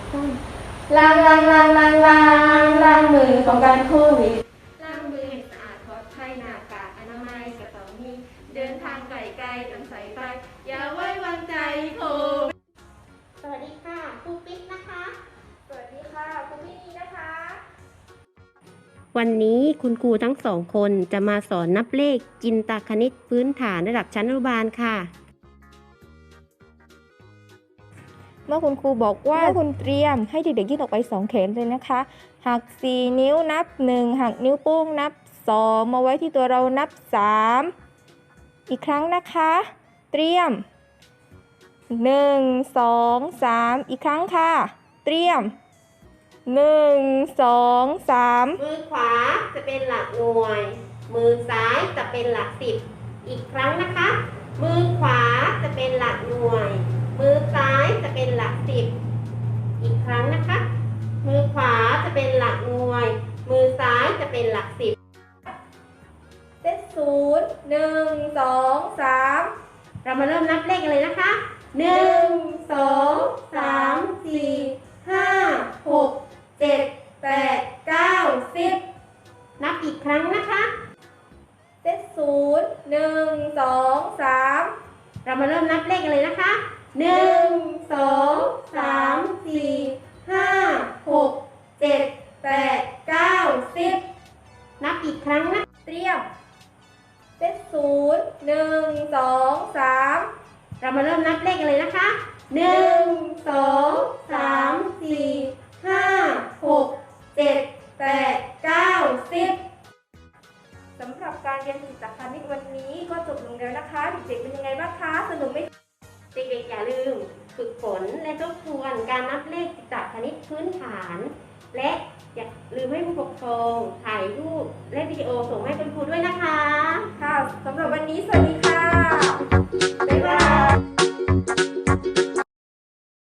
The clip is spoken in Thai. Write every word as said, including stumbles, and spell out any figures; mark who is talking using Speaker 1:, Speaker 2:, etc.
Speaker 1: ล้างล้างล้างล้างล้างล้างมือป้องกันโควิด
Speaker 2: ล้างมือให้สะอาดปลอดภัยหน้ากากอนามัยก็ต้องมีเดินทางไกลๆต้องใส่ใจอย่าไว้วางใจโควิด
Speaker 3: สวัสดีค่ะครูปิ๊กนะคะ
Speaker 2: สวัสดีค่ะครูพี่นีนะคะ
Speaker 4: วันนี้คุณครูทั้งสองคนจะมาสอนนับเลขจินตคณิตพื้นฐานระดับชั้นอนุบาลค่ะ
Speaker 5: เมื่อคุณครูบอกว่าคุณเตรียมให้เด็กๆยืดออกไปสองแขนเลยนะคะหักสี่นิ้วนับหนึ่งหักนิ้วโป้งนับสองมาไว้ที่ตัวเรานับสามอีกครั้งนะคะเตรียมหนึ่ง สอง สามอีกครั้งค่ะเตรียมหนึ่ง สอง สาม
Speaker 3: มือขวาจะเป็นหลักหน่วย มือซ้ายจะเป็นหลักสิบอีกครั้งนะคะมือขวาจะเป็นหลักหน่วย มือซ้ายจะเป็นหลักสิบอีกครั้งนะคะมือขวาจะเป็นหลักหน่วย มือซ้ายจะเป็นหลักสิบ
Speaker 5: เซตศูนย์หนึ่ง สอง สาม
Speaker 3: เรามาเริ่มนับเลขกันเลยนะคะหนึ่ง สอง สาม สี่ ห้า หก เจ็ด แปด เก้า สิบนับอีกครั้งนะคะ
Speaker 5: เซตศูนย์หนึ่ง สอง สาม
Speaker 3: เรามาเริ่มนับเลขกันเลยนะคะหนึ่ง สอง สาม สี่ ห้า หก เจ็ด แปด เก้า สิบนับอีกครั้งนะ
Speaker 5: เตรียมเซตศูนย์หนึ่ง สอง สาม
Speaker 3: เรามาเริ่มนับเลขกันเลยนะคะหนึ่ง สอง สาม สี่ ห้า หก เจ็ด แปด เก้า สิบ
Speaker 5: สำหรับการเรียนจิตคณิตวันนี้ก็จบลงแล้วนะคะเด็กๆเป็นยังไงบ้างคะสนุกไหม
Speaker 3: เด็กๆอย่าลืมฝึกฝนและทบทวนการนับเลขจิตคณิตพื้นฐาน และอย่าลืมให้ผู้ปกครองถ่ายรูปและวิดีโอส่งให้คุณครูด้วยนะคะ
Speaker 5: ค่ะสำหรับวันนี้สวัสดีค่ะ